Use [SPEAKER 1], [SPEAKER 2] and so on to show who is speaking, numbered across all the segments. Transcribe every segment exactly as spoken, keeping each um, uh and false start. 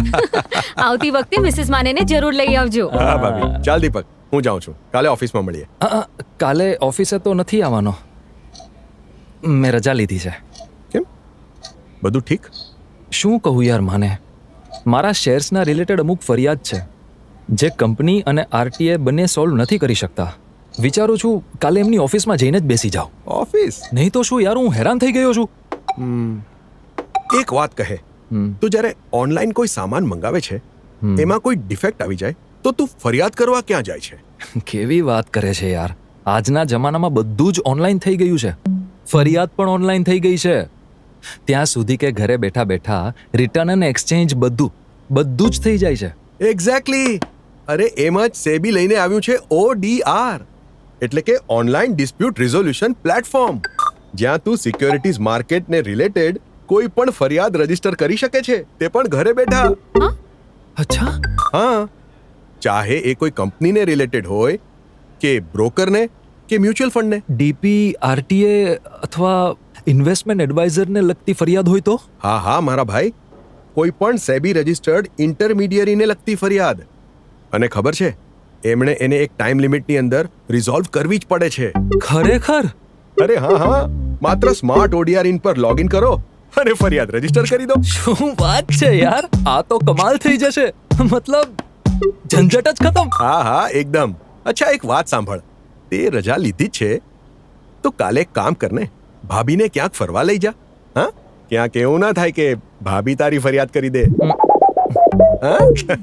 [SPEAKER 1] આવતી વખતે મિસિસ માનેને જરૂર લઈ આવજો.
[SPEAKER 2] હા ભાભી, ચાલ દીપક, હું જાઉં છું. કાલે ઓફિસમાં મળીએ.
[SPEAKER 3] અ, અ, કાલે ઓફિસે તો નથી આવવાનો. મેં રજા લીધી છે.
[SPEAKER 2] કેમ, બધું ઠીક?
[SPEAKER 3] શું કહું યાર માને, મારા શેર્સના રિલેટેડ અમુક ફરિયાદ છે જે કંપની અને આરટીએ બંને સોલ્વ નથી કરી શકતા. વિચારું છું કાલે એમની ઓફિસમાં જઈને જ બેસી જાઉં.
[SPEAKER 2] ઓફિસ?
[SPEAKER 3] નહીં તો શું યાર, હું હેરાન થઈ ગયો છું.
[SPEAKER 2] હમ, એક વાત કહે,
[SPEAKER 3] હમ,
[SPEAKER 2] તું જ્યારે ઓનલાઈન કોઈ સામાન મંગાવે છે,
[SPEAKER 3] હમ.
[SPEAKER 2] એમાં કોઈ ડિફેક્ટ આવી જાય તો તું ફરિયાદ કરવા ક્યાં જાય છે?
[SPEAKER 3] કેવી વાત કરે છે યાર. આજના જમાનામાં બધું જ ઓનલાઈન થઈ ગયું છે. ફરિયાદ પણ ઓનલાઈન થઈ ગઈ છે. ત્યાં સુધી કે ઘરે બેઠા બેઠા રિટર્ન અને એક્સચેન્જ બધું બધું જ થઈ જાય છે.
[SPEAKER 2] એક્ઝેક્ટલી. અરે એમ જ સેબી લઈને આવ્યું છે ઓડીઆર, એટલે કે ઓનલાઈન ડિસ્પ્યુટ રિઝોલ્યુશન પ્લેટફોર્મ, જ્યાં તું સિક્યોરિટીઝ માર્કેટને રિલેટેડ કોઈ પણ ફરિયાદ રજીસ્ટર કરી શકે છે, તે પણ ઘરે બેઠા.
[SPEAKER 3] અચ્છા,
[SPEAKER 2] હા, ચાહે એ કોઈ કંપનીને રિલેટેડ હોય કે બ્રોકરને કે મ્યુચ્યુઅલ ફંડને.
[SPEAKER 3] ડીપી, આરટીએ અથવા ઇન્વેસ્ટમેન્ટ એડવાઇઝરને લગતી ફરિયાદ હોય તો?
[SPEAKER 2] હા હા મારા ભાઈ, કોઈ પણ સેબી રજિસ્ટર્ડ ઇન્ટરમીડિયરીને લગતી ફરિયાદ. અને ખબર છે, એમણે એને એક ટાઈમ લિમિટની અંદર રિઝોલ્વ કરવી જ પડે છે.
[SPEAKER 3] ખરેખર?
[SPEAKER 2] અરે હા હા, માત્ર સ્માર્ટ ઓડીઆર ઇન પર લોગિન કરો અને ફરિયાદ રજીસ્ટર કરી દો.
[SPEAKER 3] શું વાત છે યાર, આ તો કમાલ થઈ જશે. મતલબ ઝંઝટ જ ખતમ.
[SPEAKER 2] હા હા એકદમ. અચ્છા એક વાત સાંભળ, તે રજા લીધી જ છે તો કાલે એક કામ કરને, ભાભીને ક્યાંક ફરવા લઈ જા. હા, ક્યાંક એવું ના થાય કે ભાભી તારી ફરિયાદ કરી દે. હા,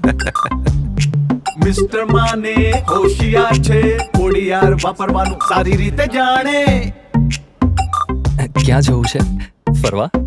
[SPEAKER 4] મિસ્ટર માને હોશિયાર છે, ઓડીઆર વાપરવાનું સારી રીતે જાણે.
[SPEAKER 3] ક્યાં જવું છે ફરવા?